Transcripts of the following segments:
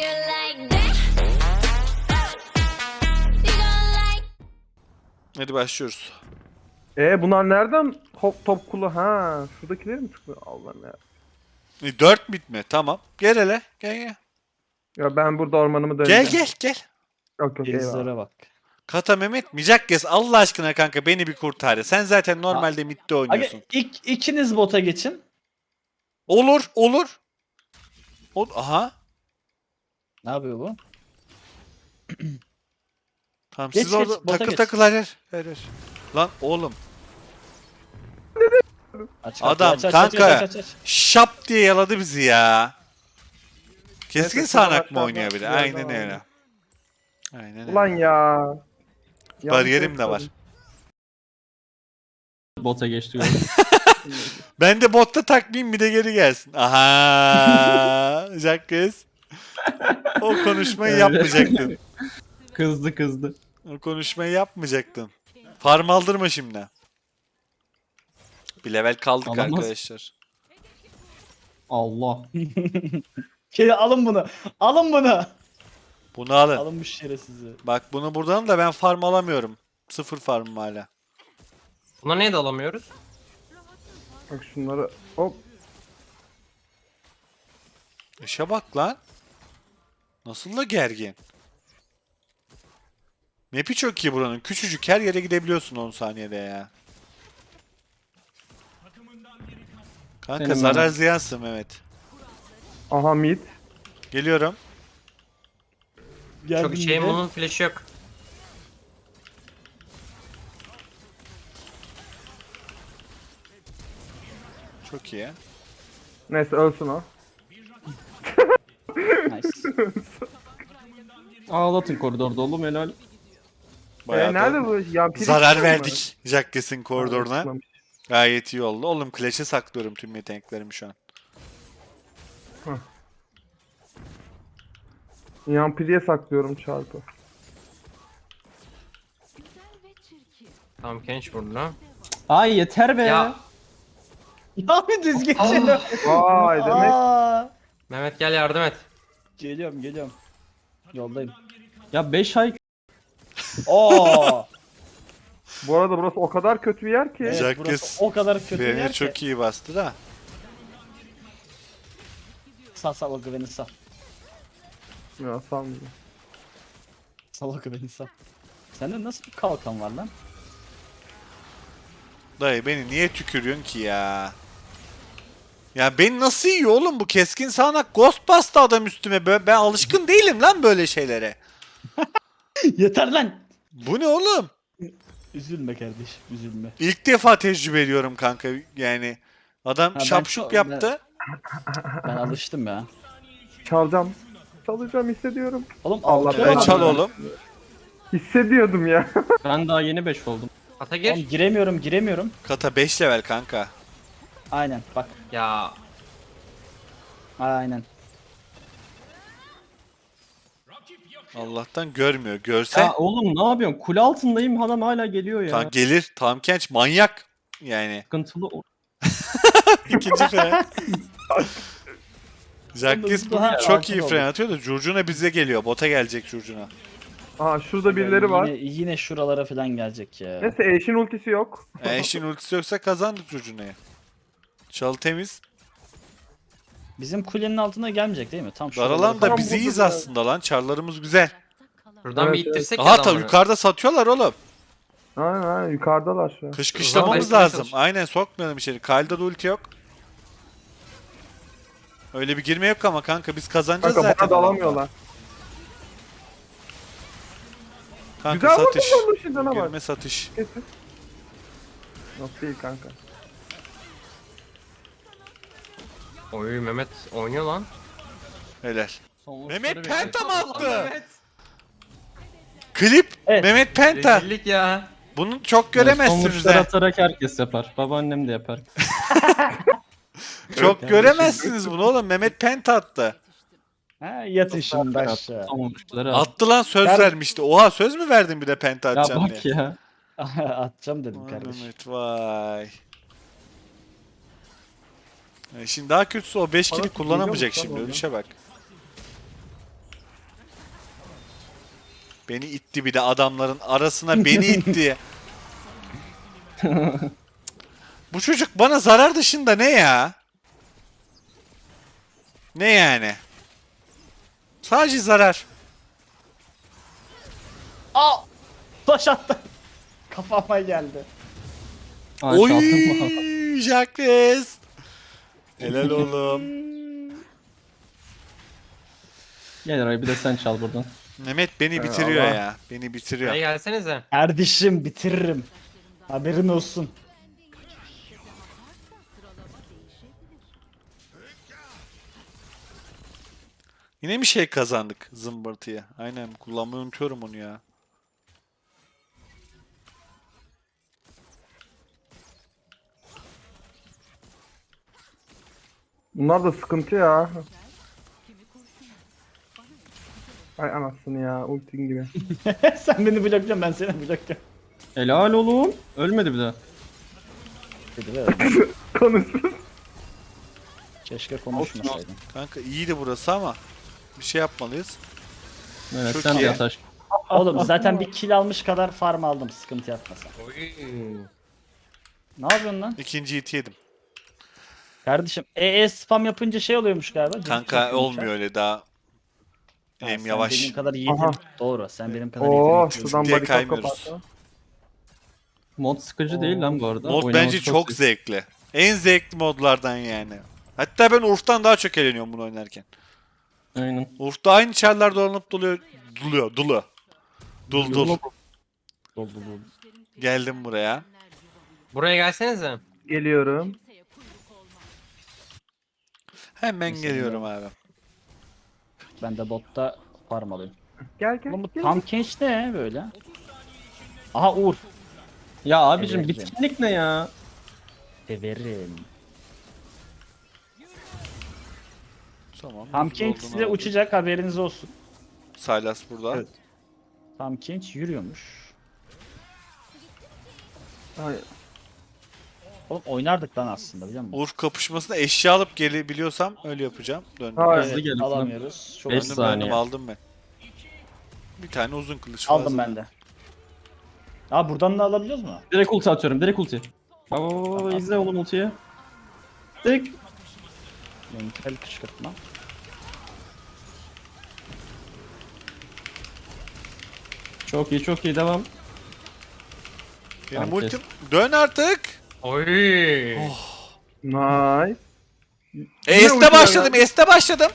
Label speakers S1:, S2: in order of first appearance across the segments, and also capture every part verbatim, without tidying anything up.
S1: Hadi başlıyoruz.
S2: E bunlar nereden top top kulu? Ha, şuradakileri mi tıklıyor? Allah'ım ya.
S1: E, dört bit mi? Tamam. Gel hele. Gel gel.
S2: Ya ben burada ormanımı döneceğim.
S1: Gel gel gel.
S2: Yok yok eyvallah.
S3: Gezlere bak.
S1: Kata Mehmet Micak gez. Allah aşkına kanka beni bir kurtar. Sen zaten normalde midde
S3: Aga,
S1: oynuyorsun.
S3: ilk, ikiniz bota geçin.
S1: Olur olur. Ol Aha.
S3: Ne yapıyor bu?
S1: Tamam
S3: Geç,
S1: siz
S3: geç,
S1: orada
S3: bota
S1: takıl
S3: geç.
S1: takıl hayır. Hayır, hayır. Lan oğlum.
S3: Aç,
S1: Adam,
S3: aç, aç,
S1: kanka.
S3: Aç, aç, aç, aç.
S1: Şap diye yaladı bizi ya. Keskin
S2: Neyse,
S1: sağanak mı
S2: aşağıda
S1: oynuyor bir de?
S2: bir yerden
S1: Aynen öyle.
S2: aldım.
S1: Aynen öyle.
S2: Ulan ya.
S1: Bariyerim de var.
S4: Bota geçti gördüm.
S1: Ben de botta takmayayım bir de geri gelsin. Aha, Jackes. O konuşmayı
S4: Evet.
S1: yapmayacaktın.
S4: Kızdı kızdı.
S1: O konuşmayı yapmayacaktın. Farm aldırma şimdi. Bir level kaldık
S4: Alamaz.
S1: arkadaşlar.
S4: Allah.
S3: Şey, alın bunu. Alın bunu.
S1: Bunu alın.
S3: Alın bu şerefsizi.
S1: Bak bunu buradan da ben farm alamıyorum. Sıfır farmım hala.
S5: Buna niye de alamıyoruz?
S2: Bak şunları hop.
S1: İşe bak lan. Nasıl da gergin. Map'i çok iyi buranın. Küçücük her yere gidebiliyorsun on saniyede ya. Kanka
S4: Senin
S1: zarar
S4: bana.
S1: ziyansın Mehmet.
S2: Aha mid.
S1: Geliyorum.
S5: Çok şey bunun flash'ı yok.
S1: Çok iyi.
S2: Neyse ölsün o.
S3: Nice.
S4: Ağlatın koridorda oğlum helal.
S1: Bayağı
S2: e,
S1: da
S2: nerede bu? Yampiri
S1: zarar
S2: mi?
S1: verdik Jackes'in koridoruna.
S2: Anlaşılmamış.
S1: Gayet iyi oldu. Oğlum Clash'e saklıyorum tüm yeteneklerimi şu an.
S2: Yampiriye saklıyorum çarpı.
S5: Tamam Kench vurdu lan.
S4: Ay yeter be.
S5: Ya
S3: Ya bir düz geçelim.
S2: Vay demek.
S3: Aa.
S5: Mehmet gel yardım et.
S3: Geliyorum geliyorum. Yoldayım.
S4: Ya beş ay
S3: Oo.
S2: Bu arada burası o kadar kötü bir yer ki.
S3: Evet,
S1: Jackes
S3: burası o kadar kötü bir
S1: Beni
S3: yer
S1: çok
S3: ki.
S1: iyi bastı da.
S3: Sal sal o güveni sal.
S2: Ya sanmıyorum.
S3: Sal o güveni sal. Sende nasıl bir kalkan var lan?
S1: Dayı beni niye tükürüyorsun ki ya? Ya beni nasıl yiyor oğlum bu keskin sağanak ghost bastı adam üstüme. Böyle, ben alışkın değilim lan böyle şeylere.
S3: Yeter lan.
S1: Bu ne oğlum?
S3: Üzülme kardeşim üzülme.
S1: İlk defa tecrübe ediyorum kanka yani. Adam
S3: Ha, ben
S1: şapşup
S3: çok-
S1: yaptı.
S3: Ben alıştım ya.
S2: Çalacağım. Çalacağım hissediyorum.
S3: Oğlum
S2: Allah
S3: altı
S2: be,
S1: Ben
S3: var
S1: çal
S3: ya.
S1: oğlum.
S2: Hissediyordum ya.
S4: ben daha yeni beş oldum.
S5: Ata gir.
S3: Oğlum giremiyorum giremiyorum.
S1: Kata beş level kanka.
S3: Aynen bak.
S5: Ya
S3: Aynen.
S1: Allah'tan görmüyor. Görse
S4: Ya oğlum ne yapıyorsun? Kule altındayım adam hala geliyor ya.
S1: ta- gelir. Tam Kench manyak. Yani.
S4: Sıkıntılı. o-
S1: İkinci fren. Jackes
S3: Oğlum,
S1: bugün
S3: daha
S1: çok iyi
S3: artık
S1: fren
S3: oldu.
S1: atıyor da Curcuna bize geliyor. Bota gelecek Curcuna.
S2: Aha şurada birileri var.
S3: Yine, yine şuralara falan gelecek ya.
S2: Neyse Ashe'in ultisi yok.
S1: E, eşin ultisi yoksa kazandık Curcuna'yı. Çalı temiz.
S3: Bizim kulenin altına gelmeyecek değil mi? Tam şuralara
S1: Daralan da
S3: falan.
S1: biz
S2: burada
S1: iyiyiz
S2: da-
S1: aslında lan. Çarlarımız güzel.
S5: buradan
S2: Evet,
S5: bir ittirsek
S1: Aha
S5: ya
S1: tabii
S5: adamları.
S1: yukarıda satıyorlar oğlum.
S2: Aynen aynen yukarıdalar şu an.
S1: Kışkışlamamız
S5: Uzaklaştırmaya
S1: lazım.
S5: çalış.
S1: Aynen sokmayalım içeri. Kyle'da da ulti yok. Öyle bir girme yok ama kanka biz kazanacağız
S2: Kanka
S1: zaten.
S2: bana da alamıyorlar.
S1: Kanka
S2: Güzel
S1: satış.
S2: vurdun lan Lucian'a bak.
S1: Girme satış.
S2: Kesin. Yok değil kanka.
S5: Oy Mehmet oynuyor lan.
S1: Helal.
S4: Son
S1: Mehmet
S4: vuruşları
S1: Penta mı
S4: bekliyorum.
S1: attı? Klip.
S3: Evet.
S1: Mehmet Penta.
S5: Rezillik ya.
S1: Bunu çok
S4: Son
S1: göremezsiniz
S4: vuruşları
S1: ha.
S4: atarak herkes yapar. Babaannem de yapar.
S1: Çok göremezsiniz bunu oğlum. Mehmet Penta attı.
S3: Ha, yatın şimdi aşağı.
S4: Son vuruşları at.
S1: Attı lan söz
S3: Ben-
S1: vermişti. Oha söz mü verdin bir de Penta
S4: Ya
S1: atacağım
S4: bak
S1: diye.
S4: ya.
S3: Atacağım dedim
S1: Vay
S3: kardeşim.
S1: Mehmet vay. E şimdi daha kötüsü o beş kili
S2: Bana
S1: kullanamayacak
S2: geliyor mu
S1: şimdi.
S2: lan
S1: Ölüşe bak. Beni itti bir de adamların arasına beni itti. Bu çocuk bana zarar dışında ne ya? Ne yani? Sadece zarar.
S3: Aa! Taş attı. Kafama geldi.
S4: Aa,
S1: Oy,
S4: çaldın mı?
S1: Jacques. Helal oğlum.
S4: Gel Eray bir de sen çal buradan.
S1: Mehmet beni bitiriyor
S2: Allah.
S1: ya. Beni bitiriyor.
S5: Buraya gelsenize.
S3: Kardeşim bitiririm. Haberin olsun.
S1: Yine bir şey kazandık zımbırtıya. Aynen kullanmayı unutuyorum onu ya.
S2: Bunlar da sıkıntı ya. Ay anasını ya ultin gibi.
S3: Sen beni blokluyorsun, ben seni blokluyorum.
S4: Helal oğlum. Ölmedi bir daha.
S3: Dedi ve öyle.
S2: Konuşsun.
S3: Keşke konuşmasaydın.
S1: Kanka iyiydi burası ama bir şey yapmalıyız.
S4: Evet
S1: Çok
S4: sen
S1: iyi.
S4: de ataş.
S3: Oğlum zaten bir kill almış kadar farm aldım, sıkıntı yapmasan.
S5: Oy.
S3: Ne yapıyorsun lan?
S1: İkinci hit yedim.
S3: Kardeşim E E spam yapınca şey oluyormuş galiba. cilt
S1: Kanka
S3: yapıyormuş
S1: olmuyor
S3: ha.
S1: öyle daha.
S3: Ha,
S1: Hem
S3: sen
S1: yavaş.
S3: benim kadar yiğidim.
S2: Aha.
S3: Doğru, sen benim kadar
S2: Oo
S3: yetenekli.
S2: şuradan
S1: diye
S2: barikat
S1: kaymıyoruz.
S2: kapattı.
S4: Mod sıkıcı değil lan bu arada.
S1: Mod
S4: Oynaması
S1: bence çok
S4: zevkli.
S1: zevkli. En zevkli modlardan yani. Hatta ben Urf'tan daha çok eğleniyorum bunu oynarken.
S4: Aynen.
S1: Urf'ta aynı çarlar dolanıp doluyor. Duluyor, dulu. Dul dul.
S3: Dol dol dol.
S1: Geldim buraya.
S5: Buraya gelsenize.
S2: Geliyorum.
S1: Hemen
S3: Mesela
S1: geliyorum abi.
S3: Ben de botta farm alayım.
S2: Gel gel.
S3: Oğlum bu
S2: gel.
S3: tam genç ne böyle? Aha Uğur.
S4: Ya abicim
S3: Evet,
S4: bitkinlik ne ya?
S3: Severim.
S1: Tamam.
S3: Tam
S1: hızlı
S3: genç
S1: olduğunu
S3: size
S1: aldım.
S3: uçacak, haberiniz olsun.
S1: Sylas burada.
S3: Evet. Tam genç yürüyormuş.
S2: Ay,
S3: Oğlum oynardık lan aslında, biliyor musun?
S1: Urf kapışmasına eşya alıp gelebiliyorsam öyle yapacağım. Döndüm.
S2: Hayır.
S4: Hızlı gelin.
S3: Alamıyoruz. Çok
S4: Beş
S1: Döndüm,
S3: hızlı.
S1: döndüm,
S4: saniye.
S1: aldım ben. Bir tane uzun kılıç
S3: Aldım
S1: fazla.
S3: ben de. Aa buradan da alabiliyoruz mu?
S4: Direkt ulti atıyorum. Direkt ulti. Baba baba baba izle oğlum ultiyi. Direkt.
S3: Mental kışkırtma.
S4: Çok iyi çok iyi devam.
S1: Benim
S4: Tamam,
S1: ultim. Dön artık.
S5: Oy.
S2: nice.
S1: E,
S2: Yine
S1: S'te
S2: ulti
S1: başladım.
S2: ya.
S1: S'te başladım.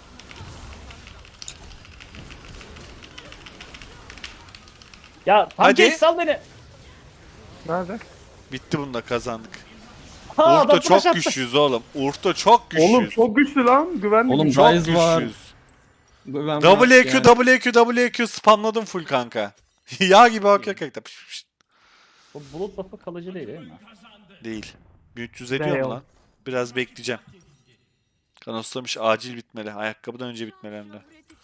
S3: Ya tam
S1: Hadi.
S3: genç sal beni.
S2: Nerede?
S1: Bitti bunda kazandık.
S3: Ha, adam
S1: Urf'ta
S3: flash
S1: çok
S3: attı.
S1: güçlüyüz oğlum. Urf'ta çok güçlüyüz.
S2: Oğlum çok güçlü lan. Güvenli.
S4: Oğlum,
S1: çok
S4: Ryze var.
S1: güçlüyüz.
S4: Ben
S1: W Q,
S4: yani.
S1: W Q, W Q spamladım full kanka. Yağ gibi akıyor kanka. Pış pış.
S3: Bu bulut buff'ı kalıcı değil değil mi?
S1: Değil. bin üç yüz ediyor mu lan? Biraz bekleyeceğim. Kanoslamış acil bitmeli. Ayakkabıdan önce bitmeli hem de.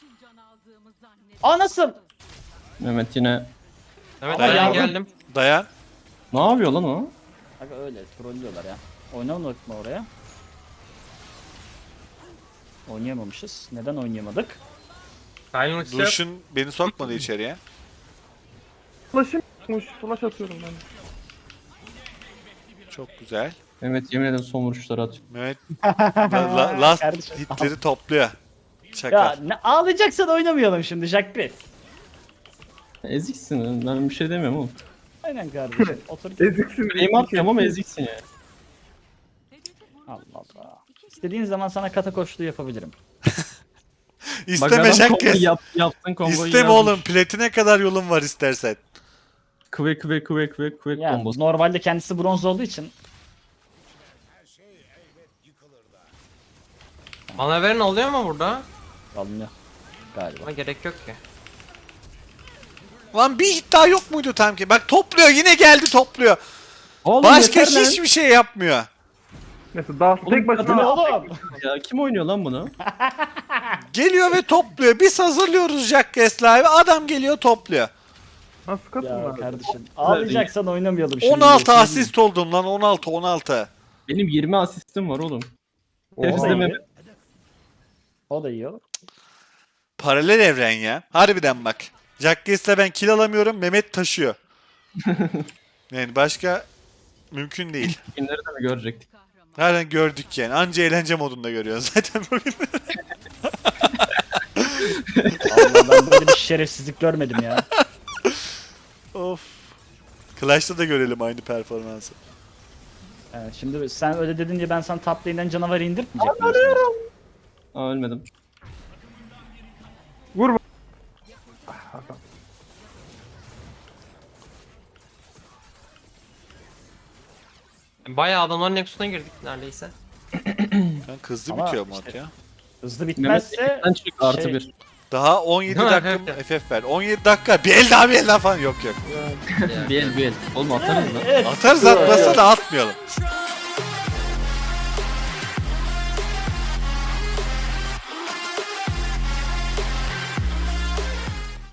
S3: Aa nasıl?
S4: Mehmet yine.
S5: Evet
S3: Ama
S5: ben
S3: yardım-
S5: geldim.
S1: Dayan.
S4: Ne yapıyor lan o?
S3: Aga öyle trollüyorlar ya. Oynamadık mı oraya? Oynayamamışız. Neden oynayamadık?
S5: Kaynın ultisi yok.
S1: Lucian beni sokmadı içeriye.
S2: Flash'ım yokmuş. Flash atıyorum ben.
S1: Çok güzel.
S4: Mehmet yemin ederim son vuruşları atıyor.
S1: Mehmet la- la- last
S3: Kardeşim.
S1: hitleri topluyor. Şaka.
S3: Ya ne ağlayacaksan oynamayalım şimdi Jack Chris.
S4: Eziksin ben bir şey demiyorum oğlum.
S3: Aynen kardeşim. Otur.
S2: Eziksin.
S4: Benim atmıyorum ama eziksin ya.
S3: Allah Allah. İstediğin zaman sana kata koştuğu yapabilirim.
S1: İsteme
S4: adam
S1: Jack
S4: komboyu
S1: kes.
S4: Yap, yaptın komboyu
S1: İsteme
S4: yazmış.
S1: oğlum. Platine kadar yolun var istersen.
S4: Kıve kıve kıve kıve kıve
S3: Yani
S4: kombosu.
S3: normalde kendisi bronz olduğu için
S5: Bana verin oluyor mu burada?
S3: alınıyor galiba.
S5: Ama gerek yok ki.
S1: Lan bir hit daha yok muydu tam ki? Bak topluyor yine geldi topluyor.
S4: Oğlum
S1: Başka
S4: yeter lan.
S1: hiçbir şey yapmıyor.
S2: Neyse daha
S4: Oğlum,
S2: tek
S3: Bu ne
S2: başına.
S3: oğlum?
S4: Ya kim oynuyor lan bunu?
S1: Geliyor ve topluyor. Biz hazırlıyoruz Jack Keslive'ı. Adam geliyor topluyor.
S2: Nasıl
S3: Ya
S2: katılma?
S3: kardeşim ağlayacaksan oynamayalım şimdi.
S1: on altı
S3: Şimdi-
S1: asist oldum lan. on altı on altı.
S4: Benim yirmi asistim var oğlum.
S3: O da
S4: Hepsi de
S3: iyi.
S4: Mehmet.
S3: O da iyi olur.
S1: Paralel evren ya. Harbiden bak. Jacques ben kill alamıyorum. Mehmet taşıyor. Yani başka mümkün değil.
S4: Günleri de mi görecektik?
S1: Nereden gördük yani. Anca eğlence modunda görüyoruz zaten bugün.
S3: Allah ben böyle bir şerefsizlik görmedim ya.
S1: Of. Clash'ta da görelim aynı performansı.
S3: Evet, şimdi sen öyle dedince ben sana top lane'den canavarı indirtmeyecek miyim?
S4: Aa ölmedim.
S2: Vur. Ah, Hakan.
S5: Bayağı adamların Nexus'una girdik neredeyse.
S1: Ben hızlı
S3: Ama
S1: bitiyor mod
S3: işte-
S1: ya.
S3: Hızlı
S4: Mehmet
S3: bitmezse
S4: sen çık artı
S3: şey-
S4: bir.
S1: Daha on yedi
S5: Ha,
S1: dakika
S5: evet, evet.
S1: F F ver. on yedi dakika. Bir el daha bir el daha falan yok yok.
S4: Bir el bir el. Oğlum atarız da.
S3: evet.
S1: Atarız atmasa da atmayalım.